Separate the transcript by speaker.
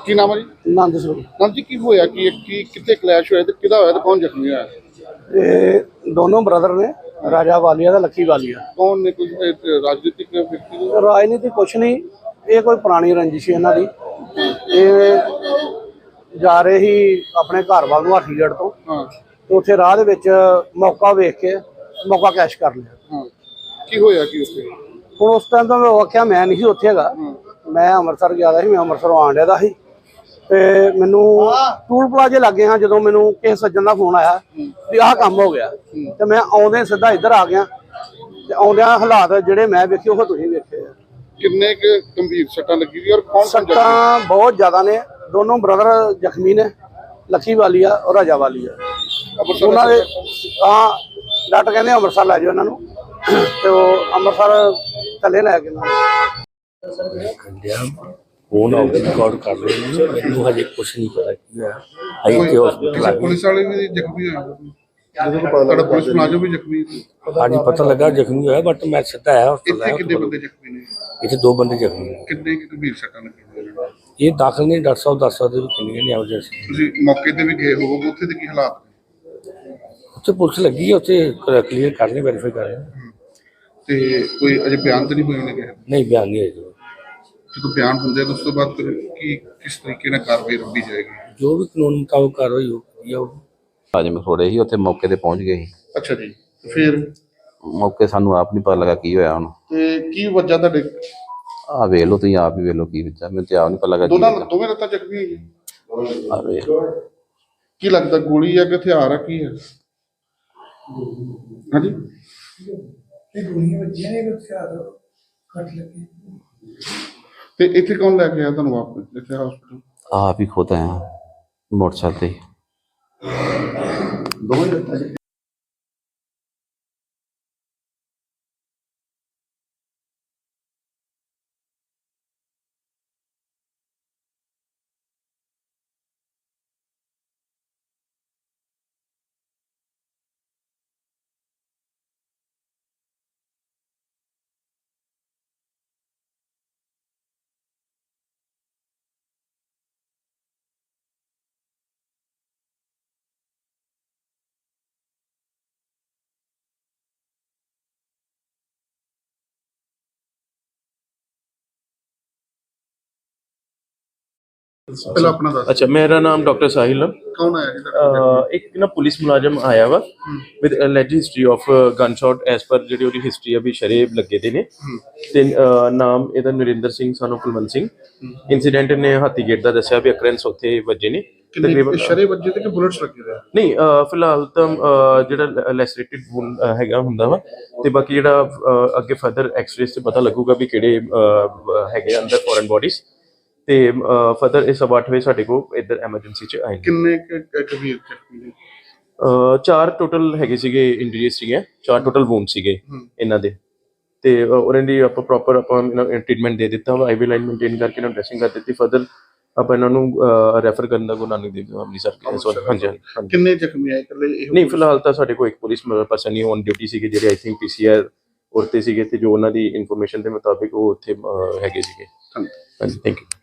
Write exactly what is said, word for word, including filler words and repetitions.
Speaker 1: ਕੀ ਨਾਮ ਹੈ ਜੀ?
Speaker 2: ਨੰਦ ਸਰੂਪ।
Speaker 1: ਨੰਦ ਜੀ, ਕੀ ਹੋਇਆ ਕੀ ਕੀ ਕਿੱਥੇ ਕਲੈਸ਼ ਹੋਇਆ ਤੇ ਕਿਹਦਾ ਹੋਇਆ ਤੇ ਕੌਣ ਜ਼ਖਮੀ ਹੋਇਆ?
Speaker 2: ਇਹ ਦੋਨੋਂ ਬ੍ਰਦਰ ਨੇ, ਰਾਜਾ ਵਾਲੀਆ ਦਾ ਲੱਕੀ ਵਾਲੀਆ।
Speaker 1: ਕੌਣ ਨੇ? ਕੋਈ ਇਹ ਰਾਜਨੀਤਿਕ ਵਿਅਕਤੀ ਨੇ?
Speaker 2: ਰਾਜਨੀਤੀ ਕੁਛ ਨਹੀਂ, ਇਹ ਕੋਈ ਪੁਰਾਣੀ ਰੰਜਿਸ਼ ਹੈ ਇਹਨਾਂ ਦੀ। ਇਹ ਜਾ ਰਹੇ ਹੀ ਆਪਣੇ ਘਰ ਵੱਲ ਨੂੰ ਹਾਥੀਗੜ੍ਹ ਤੋਂ,
Speaker 1: ਹਾਂ,
Speaker 2: ਤੇ ਉੱਥੇ ਰਾਹ ਦੇ ਵਿੱਚ ਮੌਕਾ ਵੇਖ ਕੇ ਮੌਕਾ ਕੈਸ਼ ਕਰ ਲਿਆ।
Speaker 1: ਹਾਂ, ਕੀ ਹੋਇਆ ਕੀ ਉੱਥੇ?
Speaker 2: ਹੁਣ ਉਸ ਟਾਈਮ ਤਾਂ ਮੈਂ ਆਖਿਆ ਮੈਂ ਨਹੀਂ ਸੀ ਉੱਥੇ ਹੈਗਾ, ਮੈਂ ਅੰਮ੍ਰਿਤਸਰ ਗਿਆ ਦਾ ਸੀ, ਮੈਂ ਅੰਮ੍ਰਿਤਸਰੋਂ ਆਉਣ ਡਿਆ ਦਾ ਸੀ। ਤੇ ਮੈਨੂੰ ਟੂਲ ਪਲਾਜ਼ੇ ਲੱਗੇ ਹਾਂ ਜਦੋਂ ਮੈਨੂੰ ਕਿਸੇ ਸੱਜਣ ਦਾ ਫੋਨ ਆਇਆ ਵੀ ਆਹ ਕੰਮ ਹੋ ਗਿਆ, ਤੇ ਮੈਂ ਆਉਂਦੇ ਸਿੱਧਾ ਇੱਧਰ ਆ ਗਿਆ। ਤੇ ਆਉਂਦਿਆਂ ਹਾਲਾਤ ਜਿਹੜੇ ਮੈਂ ਵੇਖੇ ਉਹ ਤੁਸੀਂ ਵੇਖੇ ਆ।
Speaker 1: ਕਿੰਨੇ ਕੁ ਗੰਭੀਰ ਸੱਟਾਂ ਲੱਗੀ ਦੀ ਔਰ ਕੌਣ?
Speaker 2: ਸੱਟਾਂ ਬਹੁਤ ਜ਼ਿਆਦਾ ਨੇ, ਦੋਨੋਂ ਬ੍ਰਦਰ ਜ਼ਖਮੀ ਨੇ, ਲੱਕੀ ਵਾਲੀਆ ਔਰ ਰਾਜਾ ਵਾਲੀਆ। ਉਹਨਾਂ ਦੇ ਤਾਂ ਡਾਕਟਰ ਕਹਿੰਦੇ ਅੰਮ੍ਰਿਤਸਰ ਲੈ ਜਾਓ ਇਹਨਾਂ ਨੂੰ, ਤੇ ਉਹ ਅੰਮ੍ਰਿਤਸਰ ਥੱਲੇ ਲੈ ਕੇ ਨਾ
Speaker 3: ਫੋਨ ਆਊਟ ਰਿਕਾਰਡ ਕਰ ਰਹੇ ਨੇ। ਮੈਨੂੰ ਹਜੇ ਕੁਛ ਨਹੀਂ ਪਤਾ ਕੀ ਹੋਇਆ। ਆਈ ਤੇ ਹਸਪੀਟਲ ਆ ਗਈ।
Speaker 1: ਪੁਲਿਸ ਵਾਲੇ ਵੀ ਜ਼ਖਮੀ ਹੋਏ? ਤੁਹਾਡਾ ਪੁਲਿਸ ਮੁਲਾਜ਼ਮ ਵੀ ਜ਼ਖਮੀ?
Speaker 3: ਹਾਂਜੀ, ਪਤਾ ਲੱਗਾ ਜ਼ਖਮੀ ਹੋਇਆ, ਬਟ ਮੈਂ ਸਿੱਧਾ ਆਇਆ ਹਸਪਤਾਲ।
Speaker 1: ਇੱਥੇ ਕਿੰਨੇ ਬੰਦੇ ਜ਼ਖਮੀ ਨੇ?
Speaker 3: ਇੱਥੇ ਦੋ ਬੰਦੇ ਜ਼ਖਮੀ ਨੇ।
Speaker 1: ਕਿੰਨੇ ਕੁ ਗੰਭੀਰ ਸੱਟਾਂ ਲੱਗੀਆਂ ਨੇ?
Speaker 3: ਇਹ ਦਾਖਲ ਨੇ, ਡਾਕਟਰ ਸਾਹਿਬ ਦੱਸ ਸਕਦੇ ਵੀ ਕਿੰਨੀਆਂ ਨੇ ਐਮਰਜੈਂਸੀ।
Speaker 1: ਤੁਸੀਂ ਮੌਕੇ ਤੇ ਵੀ ਗਏ ਹੋਵੋਗੇ, ਉੱਥੇ ਦੇ ਕੀ ਹਾਲਾਤ ਨੇ?
Speaker 3: ਉੱਥੇ ਪੁਲਿਸ ਲੱਗੀ ਹੈ, ਉੱਥੇ ਕਲੀਅਰ ਕਰ ਰਹੇ, ਵੈਰੀਫਾਈ ਕਰ ਰਹੇ।
Speaker 1: ਤੇ ਕੋਈ ਅਜੇ ਬਿਆਨ ਤਾਂ ਨਹੀਂ ਹੋਏ ਨੇ ਕਿਸੇ?
Speaker 3: ਨਹੀਂ, ਬਿਆਨ ਨਹੀਂ ਹੋਇਆ।
Speaker 1: ਜਦੋਂ ਬਿਆਨ ਹੁੰਦੇ ਤਾਂ ਉਸ ਤੋਂ ਬਾਅਦ ਕੀ ਕਿਸ ਤਰੀਕੇ ਨਾਲ ਕਾਰਵਾਈ ਰੱਖੀ ਜਾਏਗੀ?
Speaker 3: ਜੋ ਵੀ ਕਾਨੂੰਨ ਮੁਤਾਬਕ ਕਾਰਵਾਈ ਹੋਊਗੀ ਉਹ।
Speaker 4: ਅੱਜ ਮੈਂ ਥੋੜੇ ਹੀ ਉੱਥੇ ਮੌਕੇ ਤੇ ਪਹੁੰਚ ਗਏ ਸੀ।
Speaker 1: ਅੱਛਾ ਜੀ, ਫਿਰ
Speaker 4: ਮੌਕੇ ਸਾਨੂੰ ਆਪ ਨਹੀਂ ਪਤਾ ਲੱਗਾ ਕੀ ਹੋਇਆ ਹੁਣ।
Speaker 1: ਤੇ ਕੀ ਵਜ੍ਹਾ ਤੁਹਾਡੇ?
Speaker 4: ਆਹ ਵੇਖ ਲਓ ਤੁਸੀਂ ਆਪ ਹੀ ਵੇਖ ਲਓ ਕੀ ਬੱਚਾ, ਮੈਨੂੰ ਤੇ ਆਪ ਨਹੀਂ ਪਤਾ ਲੱਗਾ।
Speaker 1: ਦੋਨਾਂ ਦੋਵੇਂ ਲੱਤਾਂ ਜ਼ਖਮੀ ਹੋਈਆਂ?
Speaker 4: ਆਹ ਵੇਖ
Speaker 1: ਕੀ ਲੱਗਦਾ ਗੋਲੀ ਆ ਕਿ ਹਥਿਆਰ ਆ, ਕੀ ਹੈ? ਹਾਂਜੀ,
Speaker 5: ਇਹ ਗੋਲੀਆਂ ਵੱਜੀਆਂ ਨੇ, ਹਥਿਆਰ ਕੱਟ ਲੱਗੇ।
Speaker 1: ਤੇ ਇੱਥੇ ਕੌਣ ਲੈ ਕੇ ਆਇਆ ਤੁਹਾਨੂੰ ਵਾਪਸ ਇੱਥੇ ਹਸਪੀਟਲ?
Speaker 4: ਆਪ ਹੀ ਖੁਦ ਆਇਆ ਮੋਟਰਸਾਈਕਲ ਤੇ।
Speaker 1: ਦੋਵੇਂ ਲੱਤਾਂ ਪਹਿਲਾਂ ਆਪਣਾ ਦੱਸ।
Speaker 6: अच्छा, मेरा नाम डॉक्टर साहिल है।
Speaker 1: ਕੌਣ ਆਇਆ ਜੀ ਤੁਹਾਡਾ?
Speaker 6: एक ना पुलिस मुलाजम आया वा with alleged history of gun shot एज पर ਜਿਹੜੀ ਉਹਦੀ ਹਿਸਟਰੀ ਆ ਵੀ ਸ਼ਰੇਬ ਲੱਗੇ ਦੇ ਨੇ। ਤੇ ਨਾਮ ਇਹਦਾ ਨਰਿੰਦਰ ਸਿੰਘ ਸਾਨੂੰ ਕੁਲਵੰਤ ਸਿੰਘ। ਇਨਸੀਡੈਂਟ ਨੇ ਹਾਥੀਗੇਟ ਦਾ ਦੱਸਿਆ ਵੀ ਅਕਰੈਂਸ ਉੱਥੇ ਵੱਜੇ ਨੇ
Speaker 1: ਤਕਰੀਬਨ। ਸ਼ਰੇ ਵੱਜੇ ਤੇ ਕਿ ਬੁਲਟਸ ਲੱਗੇ ਹੋਏ?
Speaker 6: ਨਹੀਂ, ਫਿਲਹਾਲ ਤਾਂ ਜਿਹੜਾ ਲੈਸਰੇਟਿਡ ਹੈਗਾ ਹੁੰਦਾ ਵਾ, ਤੇ ਬਾਕੀ ਜਿਹੜਾ ਅੱਗੇ ਫਰਦਰ ਐਕਸ-ਰੇਸ ਤੇ ਪਤਾ ਲੱਗੂਗਾ ਵੀ ਕਿਹੜੇ ਹੈਗੇ ਅੰਦਰ ਫੋਰਨ ਬੋਡੀਜ਼। ਤੇ ਫਰਦਰ ਇਹ ਸਵਾ ਅੱਠ ਵਜੇ ਸਾਡੇ ਕੋਲ ਇੱਧਰ ਐਮਰਜੈਂਸੀ ਚ ਆਏ।
Speaker 1: ਕਿੰਨੇ ਗੰਭੀਰ ਜ਼ਖਮੀ ਨੇ?
Speaker 6: ਚਾਰ ਟੋਟਲ ਹੈਗੇ ਸੀਗੇ, ਇੰਜਰੀਜ਼ ਸੀਗੇ, ਚਾਰ ਟੋਟਲ ਵੂਨ ਸੀਗੇ ਇਹਨਾਂ ਦੇ। ਤੇ ਉਹਨਾਂ ਦੀ ਆਪਾਂ ਪ੍ਰੋਪਰ ਆਪਾਂ ਟ੍ਰੀਟਮੈਂਟ ਦੇ ਦਿੱਤਾ ਵਾ, ਆਈਵੀ ਲਾਈਨ ਮੇਨਟੇਨ ਕਰਕੇ ਇਹਨਾਂ ਨੂੰ ਡਰੈਸਿੰਗ ਕਰ ਦਿੱਤੀ। ਫਰਦਰ ਆਪਾਂ ਇਹਨਾਂ ਨੂੰ ਰੈਫਰ ਕਰਨ ਦਾ ਗੁਰੂ ਨਾਨਕ ਦੇਵ ਅੰਮ੍ਰਿਤਸਰ। ਹਾਂਜੀ ਹਾਂਜੀ।
Speaker 1: ਕਿੰਨੇ ਜ਼ਖਮੀ ਆਏ? ਇਕੱਲੇ?
Speaker 6: ਨਹੀਂ, ਫਿਲਹਾਲ ਤਾਂ ਸਾਡੇ ਕੋਲ ਇੱਕ ਪੁਲਿਸ ਪਰਸਨ ਹੀ ਔਨ ਡਿਊਟੀ ਸੀਗੇ ਜਿਹੜੇ ਆਈ ਥਿੰਕ ਪੀਸੀਆਰ ਉਰਤੇ ਸੀਗੇ, ਤੇ ਜੋ ਉਹਨਾਂ ਦੀ ਇਨਫੋਰਮੇਸ਼ਨ ਦੇ ਮੁਤਾਬਿਕ ਉਹ ਉੱਥੇ ਹੈਗੇ ਸੀਗੇ। ਹਾਂਜੀ, ਥੈਂਕ ਯੂ।